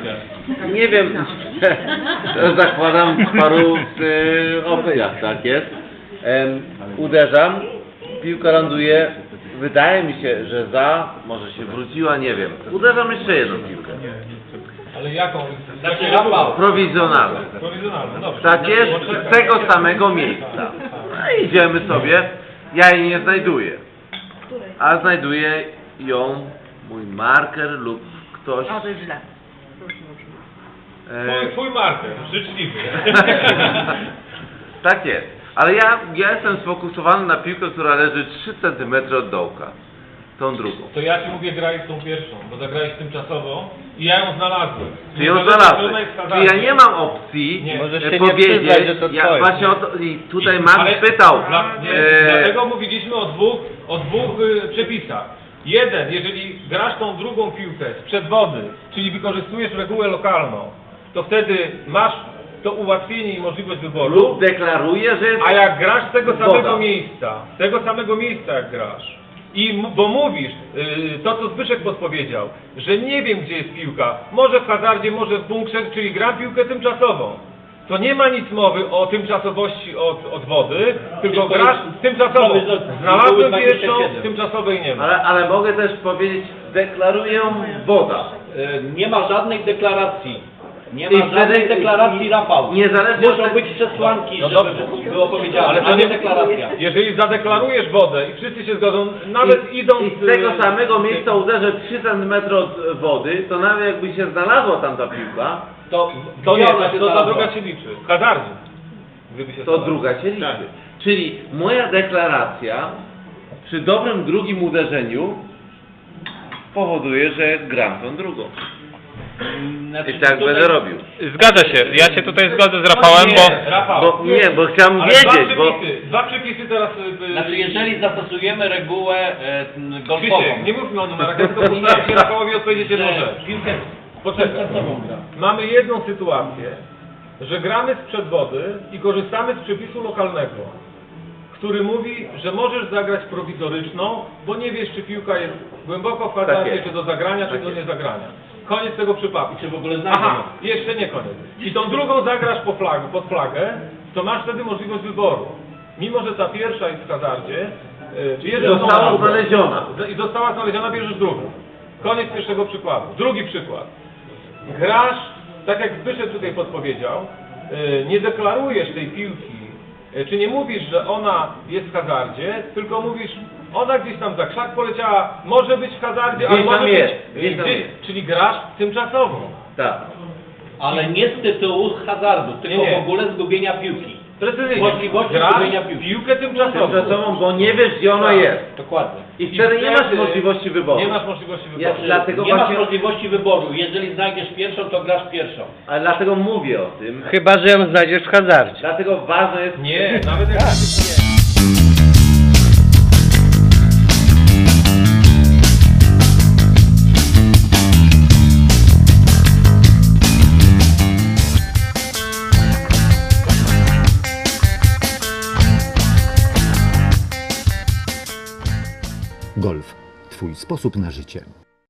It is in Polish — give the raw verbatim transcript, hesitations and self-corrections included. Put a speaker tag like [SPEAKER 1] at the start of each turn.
[SPEAKER 1] Nie wiem, zakładam w paru y, obcyach, tak jest. Em, uderzam, piłka ląduje, wydaje mi się, że za, może się wróciła, nie wiem. Uderzam jeszcze jedną piłkę.
[SPEAKER 2] Ale jaką?
[SPEAKER 3] Znaczy Rafał.
[SPEAKER 1] Prowizjonalną.
[SPEAKER 2] Prowizjonalną, dobrze.
[SPEAKER 1] Tak jest, z tego samego miejsca. No i idziemy sobie, ja jej nie znajduję. A znajduje ją mój marker lub ktoś.
[SPEAKER 4] O, to jest źle.
[SPEAKER 1] E,
[SPEAKER 2] Twój, twój marker, życzliwy.
[SPEAKER 1] tak jest. Ale ja, ja jestem sfokusowany na piłkę, która leży trzy centymetry od dołka. Tą drugą.
[SPEAKER 2] To ja ci mówię, graj z tą pierwszą, bo zagrałeś tymczasowo i ja ją znalazłem.
[SPEAKER 1] Czy ją znalazłem? Czyli ja nie mam opcji
[SPEAKER 2] Nie.
[SPEAKER 5] Możesz się
[SPEAKER 1] e,
[SPEAKER 5] nie
[SPEAKER 1] powiedzieć,
[SPEAKER 5] przyznać, że to
[SPEAKER 1] ja
[SPEAKER 5] twoje.
[SPEAKER 1] właśnie o to, i tutaj
[SPEAKER 2] I-
[SPEAKER 1] Max
[SPEAKER 2] ale-
[SPEAKER 1] pytał.
[SPEAKER 2] Dla, nie,
[SPEAKER 1] e,
[SPEAKER 2] dlatego mówiliśmy o dwóch, o dwóch y, przepisach. Jeden, jeżeli grasz tą drugą piłkę sprzed wody, czyli wykorzystujesz regułę lokalną, to wtedy masz to ułatwienie i możliwość wyboru.
[SPEAKER 1] lub deklaruje, że jest
[SPEAKER 2] A jak grasz z tego samego
[SPEAKER 1] woda.
[SPEAKER 2] miejsca, z tego samego miejsca jak grasz, i mu- bo mówisz, yy, to co Zbyszek podpowiedział, że nie wiem gdzie jest piłka, może w hazardzie, może w bunkrze, czyli gram piłkę tymczasową. To nie ma nic mowy o tymczasowości od, od wody, tylko
[SPEAKER 3] Tylko
[SPEAKER 2] grasz
[SPEAKER 3] jest-
[SPEAKER 2] tymczasową.
[SPEAKER 3] jest-
[SPEAKER 2] Znalazłem
[SPEAKER 3] dwadzieścia
[SPEAKER 2] pierwszą,
[SPEAKER 3] siedem.
[SPEAKER 2] tymczasowej nie ma.
[SPEAKER 1] Ale, ale mogę też powiedzieć, deklaruję woda.
[SPEAKER 3] E, Nie ma żadnej deklaracji. Nie
[SPEAKER 1] I
[SPEAKER 3] ma żadnej
[SPEAKER 1] wtedy-
[SPEAKER 3] deklaracji,
[SPEAKER 1] i-
[SPEAKER 3] Rafał.
[SPEAKER 1] niezależnie
[SPEAKER 3] Muszą
[SPEAKER 1] od-
[SPEAKER 3] być przesłanki,
[SPEAKER 2] No
[SPEAKER 3] żeby
[SPEAKER 2] dobrze.
[SPEAKER 3] było powiedziane,
[SPEAKER 2] Ale
[SPEAKER 3] ale
[SPEAKER 2] to
[SPEAKER 3] a nie
[SPEAKER 2] nie
[SPEAKER 3] deklaracja.
[SPEAKER 2] Jeżeli zadeklarujesz wodę i wszyscy się zgodzą, nawet
[SPEAKER 1] I,
[SPEAKER 2] idąc...
[SPEAKER 1] I z tego
[SPEAKER 2] yy,
[SPEAKER 1] samego miejsca uderzę trzy centymetry od wody, to nawet jakby się znalazła tam ta piłka,
[SPEAKER 3] To,
[SPEAKER 2] To nie,
[SPEAKER 3] gdzie ona
[SPEAKER 2] to,
[SPEAKER 3] się
[SPEAKER 2] to ta
[SPEAKER 3] znalazła?
[SPEAKER 2] druga się liczy. W hazardzie. Gdyby się
[SPEAKER 1] to
[SPEAKER 2] znalazła.
[SPEAKER 1] druga się liczy.
[SPEAKER 2] Tak.
[SPEAKER 1] Czyli moja deklaracja przy dobrym drugim uderzeniu powoduje, że gram tą drugą.
[SPEAKER 3] Znaczy,
[SPEAKER 1] I tak
[SPEAKER 3] tutaj-
[SPEAKER 1] będę robił.
[SPEAKER 5] Zgadza się, ja się tutaj zgodzę z Rafałem,
[SPEAKER 2] nie,
[SPEAKER 5] bo
[SPEAKER 2] Rafał,
[SPEAKER 1] Bo, nie, bo chciałem
[SPEAKER 2] ale
[SPEAKER 1] wiedzieć,
[SPEAKER 2] dwa
[SPEAKER 1] bo...
[SPEAKER 2] przepisy, dwa przepisy teraz... Yy,
[SPEAKER 3] Znaczy, jeżeli zastosujemy regułę e, golfową,
[SPEAKER 2] Krzysiek, nie mówmy o numerach, ja tylko postaram się Rafałowi odpowiedzieć jedną
[SPEAKER 3] że
[SPEAKER 2] rzecz.
[SPEAKER 3] piłkę
[SPEAKER 2] Poczekaj.
[SPEAKER 3] tymczasową gra.
[SPEAKER 2] Mamy jedną sytuację, że gramy sprzed wody i korzystamy z przepisu lokalnego, który mówi, że możesz zagrać prowizoryczną, bo nie wiesz, czy piłka jest głęboko w
[SPEAKER 1] Tak
[SPEAKER 2] hazardzie,
[SPEAKER 1] jest.
[SPEAKER 2] czy do zagrania, czy
[SPEAKER 1] Tak
[SPEAKER 2] do
[SPEAKER 1] jest.
[SPEAKER 2] niezagrania. Koniec tego przypadku.
[SPEAKER 3] Czy w ogóle znajdę
[SPEAKER 2] Aha,
[SPEAKER 3] ją.
[SPEAKER 2] jeszcze nie koniec. I tą drugą zagrasz po flag, pod flagę, to masz wtedy możliwość wyboru. Mimo, że ta pierwsza jest w hazardzie, yy, bierzesz tą
[SPEAKER 1] Została
[SPEAKER 2] drugą.
[SPEAKER 1] znaleziona.
[SPEAKER 2] I została znaleziona, bierzesz drugą. Koniec pierwszego przykładu. Drugi przykład. Grasz, tak jak Zbyszek tutaj podpowiedział, yy, nie deklarujesz tej piłki, yy, czy nie mówisz, że ona jest w hazardzie, tylko mówisz, ona gdzieś tam za krzak poleciała, może być w hazardzie,
[SPEAKER 1] Gdzieś
[SPEAKER 2] ale może
[SPEAKER 1] tam
[SPEAKER 2] być,
[SPEAKER 1] jest,
[SPEAKER 2] yy,
[SPEAKER 1] gdzieś tam
[SPEAKER 2] gdzie-
[SPEAKER 1] jest.
[SPEAKER 2] czyli grasz tymczasowo.
[SPEAKER 1] Tak.
[SPEAKER 3] Ale nie z tytułu hazardu, tylko
[SPEAKER 2] Nie, nie.
[SPEAKER 3] w ogóle zgubienia piłki.
[SPEAKER 2] Precyzyjnie.
[SPEAKER 3] Możliwości
[SPEAKER 2] Grasz
[SPEAKER 3] zgubienia piłki.
[SPEAKER 2] piłkę tymczasową.
[SPEAKER 1] Tymczasową, bo nie wiesz, gdzie ona
[SPEAKER 2] Tak.
[SPEAKER 1] jest.
[SPEAKER 3] Dokładnie.
[SPEAKER 1] I wtedy nie masz
[SPEAKER 2] wtedy
[SPEAKER 1] możliwości wyboru.
[SPEAKER 2] Nie masz możliwości wyboru.
[SPEAKER 1] Ja- Dlatego
[SPEAKER 3] nie
[SPEAKER 1] właśnie-
[SPEAKER 3] masz możliwości wyboru. Jeżeli znajdziesz pierwszą, to grasz pierwszą.
[SPEAKER 1] Ale dlatego mówię o tym.
[SPEAKER 5] chyba, że ją znajdziesz w hazardzie.
[SPEAKER 1] Dlatego ważne jest...
[SPEAKER 2] Nie, nawet jak...
[SPEAKER 6] Golf. Twój sposób na życie.